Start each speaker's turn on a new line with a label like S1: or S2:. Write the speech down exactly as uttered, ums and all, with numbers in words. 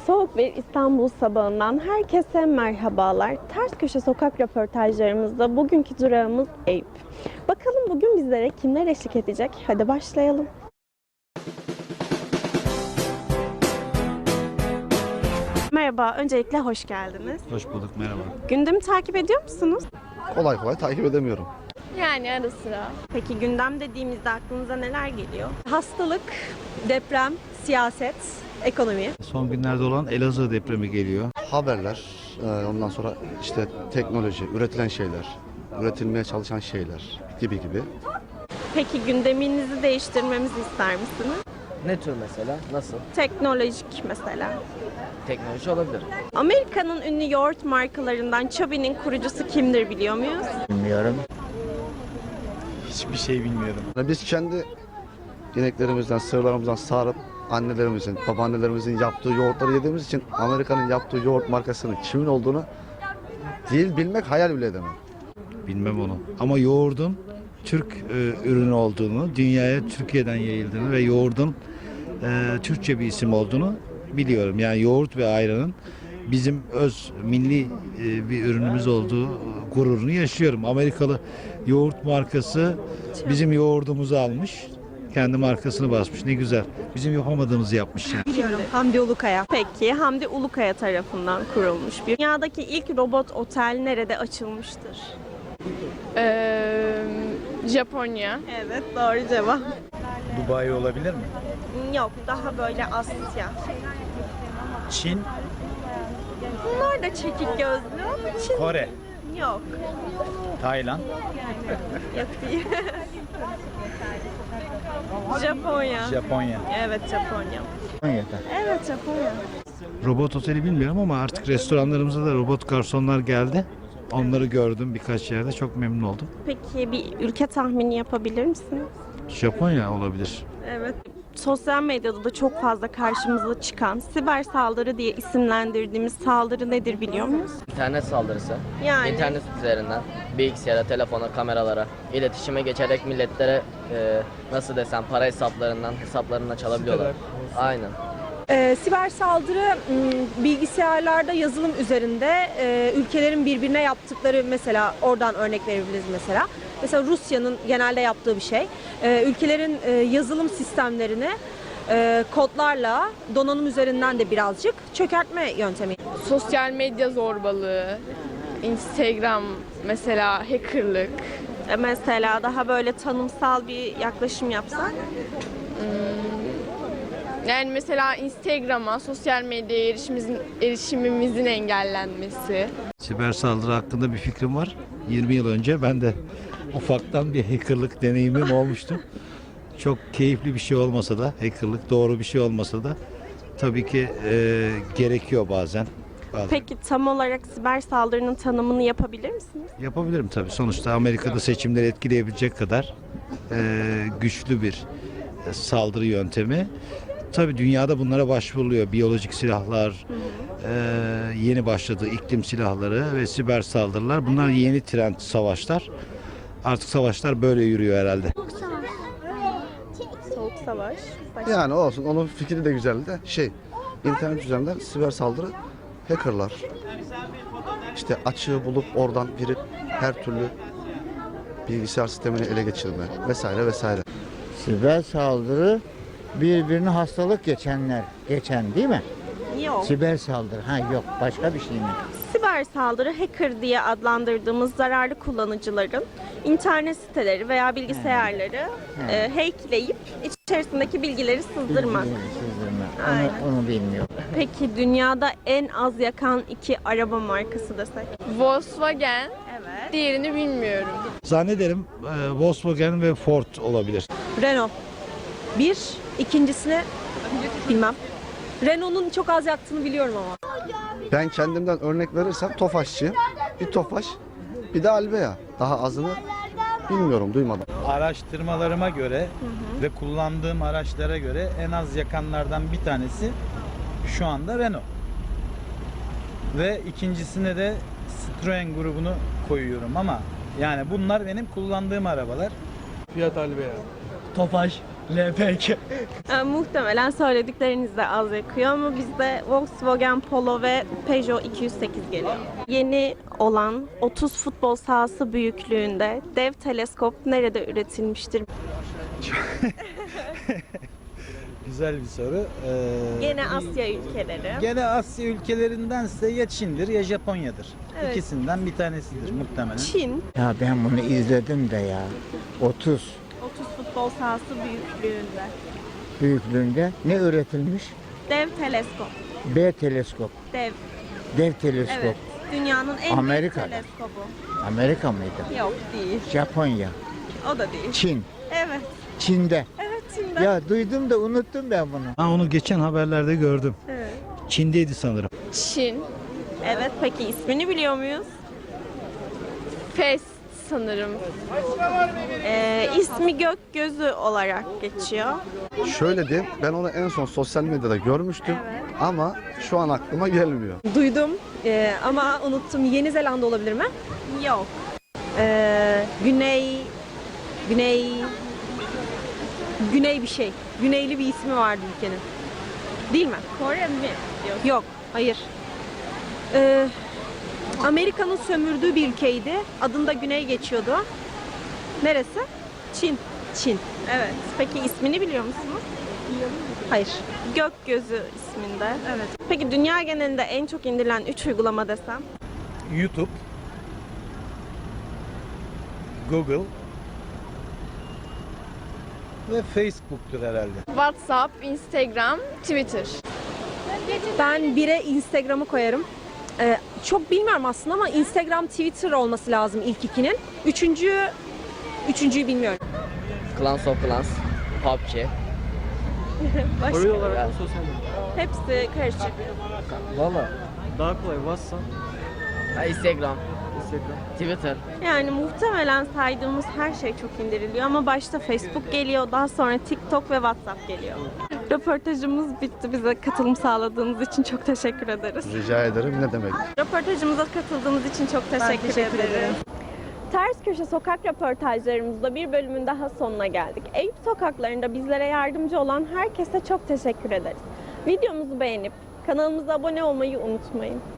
S1: Soğuk bir İstanbul sabahından herkese merhabalar. Ters köşe sokak röportajlarımızda bugünkü durağımız Eyüp. Bakalım bugün bizlere kimler eşlik edecek? Hadi başlayalım. Merhaba, öncelikle hoş geldiniz.
S2: Hoş bulduk, merhaba.
S1: Gündemi takip ediyor musunuz?
S3: Kolay kolay takip edemiyorum.
S4: Yani ara sıra.
S1: Peki gündem dediğimizde aklınıza neler geliyor?
S5: Hastalık, deprem, siyaset, ekonomi.
S2: Son günlerde olan Elazığ depremi geliyor.
S3: Haberler, e, ondan sonra işte teknoloji, üretilen şeyler, üretilmeye çalışan şeyler gibi gibi.
S1: Peki gündeminizi değiştirmemizi ister misiniz?
S6: Ne tür mesela? Nasıl?
S1: Teknolojik mesela.
S6: Teknoloji olabilir.
S1: Amerika'nın ünlü yoğurt markalarından Chubby'nin kurucusu kimdir biliyor muyuz?
S6: Bilmiyorum.
S2: Hiçbir şey bilmiyorum.
S3: Yani biz kendi ineklerimizden, sığırlarımızdan sağırıp annelerimizin, babaannelerimizin yaptığı yoğurtları yediğimiz için Amerika'nın yaptığı yoğurt markasının kimin olduğunu değil bilmek hayal bile edemem.
S2: Bilmem onu. Ama yoğurdun Türk e, ürünü olduğunu, dünyaya Türkiye'den yayıldığını ve yoğurdun e, Türkçe bir isim olduğunu biliyorum. Yani yoğurt ve ayranın bizim öz milli e, bir ürünümüz olduğu gururunu yaşıyorum. Amerikalı yoğurt markası bizim yoğurdumuzu almış. Kendi markasını basmış. Ne güzel. Bizim yapamadığımızı yapmış yani.
S5: Biliyorum. Hamdi Ulukaya.
S1: Peki Hamdi Ulukaya tarafından kurulmuş bir dünyadaki ilk robot otel nerede açılmıştır?
S4: Ee, Japonya.
S1: Evet, doğru cevap.
S7: Dubai olabilir mi?
S1: Yok, daha böyle Asya.
S7: Çin,
S1: Bunlar da çekik gözlü ama Çin
S7: Kore,
S1: yok.
S7: Tayland.
S1: Yok değil. Japonya.
S7: Japonya.
S1: Evet, Japonya. Evet, Japonya.
S2: Robot oteli bilmiyorum ama artık restoranlarımıza da robot garsonlar geldi. Onları gördüm birkaç yerde. Çok memnun oldum.
S1: Peki bir ülke tahmini yapabilir misiniz?
S2: Japonya olabilir.
S1: Evet. Sosyal medyada da çok fazla karşımıza çıkan siber saldırı diye isimlendirdiğimiz saldırı nedir biliyor muyuz?
S6: İnternet saldırısı.
S1: Yani
S6: İnternet üzerinden bilgisayara, telefona, kameralara, iletişime geçerek milletlere e, nasıl desem para hesaplarından hesaplarına çalabiliyorlar. Aynen.
S5: Ee, siber saldırı m, bilgisayarlarda yazılım üzerinde e, ülkelerin birbirine yaptıkları, mesela oradan örnek verebiliriz mesela. Mesela Rusya'nın genelde yaptığı bir şey. Ee, ülkelerin e, yazılım sistemlerini e, kodlarla donanım üzerinden de birazcık çökertme yöntemi.
S4: Sosyal medya zorbalığı. Instagram mesela hackerlık.
S1: e, mesela daha böyle tanımsal bir yaklaşım yapsak.
S4: Yani mesela Instagram'a, sosyal medyaya erişimimizin, erişimimizin engellenmesi.
S2: Siber saldırı hakkında bir fikrim var. yirmi yıl önce ben de ufaktan bir hackerlık deneyimim olmuştu. Çok keyifli bir şey olmasa da, hackerlık doğru bir şey olmasa da tabii ki e, gerekiyor bazen. bazen.
S1: Peki tam olarak siber saldırının tanımını yapabilir misiniz?
S2: Yapabilirim tabii. Sonuçta Amerika'da seçimleri etkileyebilecek kadar e, güçlü bir e, saldırı yöntemi. Tabii dünyada bunlara başvuruluyor. Biyolojik silahlar, e, yeni başladığı iklim silahları ve siber saldırılar. Bunlar yeni trend savaşlar. Artık savaşlar böyle yürüyor herhalde.
S1: Soğuk savaş. Başka.
S3: Yani olsun, onun fikri de güzeldi de şey, internet üzerinden siber saldırı, hackerlar, işte açığı bulup oradan girip her türlü bilgisayar sistemini ele geçirme vesaire vesaire.
S8: Siber saldırı birbirine hastalık geçenler, geçen değil mi?
S1: Yok.
S8: Siber saldırı. Ha yok, başka bir şey mi?
S1: Siber saldırı hacker diye adlandırdığımız zararlı kullanıcıların internet siteleri veya bilgisayarları e, hackleyip içerisindeki bilgileri sızdırmak.
S8: Bilgileri sızdırma.
S1: Aynen.
S8: Onu, onu bilmiyorum.
S1: Peki dünyada en az yakan iki araba markası desek?
S4: Volkswagen,
S1: Evet.
S4: diğerini bilmiyorum.
S2: Zannederim e, Volkswagen ve Ford olabilir.
S5: Renault. Bir, ikincisini bilmem. Renault'un çok az yaktığını biliyorum ama.
S3: Ben kendimden örnek verirsem Tofaşçıyım. Bir Tofaş, bir de Albea. Daha azını bilmiyorum, duymadım.
S7: Araştırmalarıma göre ve kullandığım araçlara göre en az yakanlardan bir tanesi şu anda Renault. Ve ikincisine de Citroen grubunu koyuyorum ama yani bunlar benim kullandığım arabalar.
S9: Fiat Albea.
S10: Tofaş.
S9: L P G.
S1: Ee, muhtemelen söyledikleriniz de az yakıyor ama bizde Volkswagen Polo ve Peugeot iki yüz sekiz geliyor. Yeni olan otuz futbol sahası büyüklüğünde dev teleskop nerede üretilmiştir?
S7: Güzel bir soru. Ee,
S1: Gene Asya ülkeleri.
S7: Gene Asya ülkelerindense ya Çin'dir ya Japonya'dır.
S1: Evet.
S7: İkisinden bir tanesidir muhtemelen.
S1: Çin
S8: Ya ben bunu izledim de ya. otuz
S1: otuz futbol sahası büyüklüğünde.
S8: büyüklüğünde ne üretilmiş?
S1: Dev teleskop.
S8: B teleskop.
S1: Dev.
S8: Dev teleskop.
S1: Evet. Dünyanın en
S8: Amerika'da.
S1: büyük teleskobu.
S8: Amerika mıydı?
S1: Yok değil.
S8: Japonya.
S1: O da değil.
S8: Çin.
S1: Evet.
S8: Çin'de.
S1: Evet Çin'de.
S8: Ya duydum da unuttum ben bunu.
S2: Ha, onu geçen haberlerde gördüm.
S1: Evet.
S2: Çin'deydi sanırım.
S4: Çin.
S1: Evet peki ismini biliyor muyuz?
S4: Fes sanırım.
S1: Ee, ismi Gökgözü olarak geçiyor.
S3: Şöyle diyeyim, ben onu en son sosyal medyada görmüştüm ama şu an aklıma gelmiyor.
S5: Duydum e, ama unuttum. Yeni Zelanda olabilir mi?
S1: Yok.
S5: E, Güney, Güney, Güney bir şey. Güneyli bir ismi vardı ülkenin. Değil mi?
S1: Kore mi? Yok.
S5: Yok, hayır. E, Amerika'nın sömürdüğü bir ülkeydi. Adında Güney geçiyordu. Neresi? Çin. Çin.
S1: Evet. Peki ismini biliyor musunuz?
S5: Hayır.
S1: Gökgözü isminde.
S5: Evet.
S1: Peki dünya genelinde en çok indirilen üç uygulama desem?
S7: YouTube, Google ve Facebook'tur herhalde.
S4: WhatsApp, Instagram, Twitter.
S5: Ben bire Instagram'ı koyarım. Ee, çok bilmiyorum aslında ama Instagram, Twitter olması lazım ilk ikinin. Üçüncü, üçüncüyü bilmiyorum.
S6: Clans of Clans, P U B G.
S1: Başka?
S6: Ya,
S1: Hepsi karışık.
S9: Valla daha kolay WhatsApp,
S6: ha, Instagram,
S9: Instagram.
S6: Twitter.
S1: Yani muhtemelen saydığımız her şey çok indiriliyor ama başta Facebook geliyor, daha sonra TikTok ve WhatsApp geliyor. Röportajımız bitti. Bize katılım sağladığınız için çok teşekkür ederiz.
S3: Rica ederim, ne demek.
S1: Röportajımıza katıldığınız için çok teşekkür,
S5: teşekkür
S1: ederim.
S5: ederim.
S1: Ters Köşe Sokak röportajlarımızda bir bölümün daha sonuna geldik. Eyüp sokaklarında bizlere yardımcı olan herkese çok teşekkür ederiz. Videomuzu beğenip kanalımıza abone olmayı unutmayın.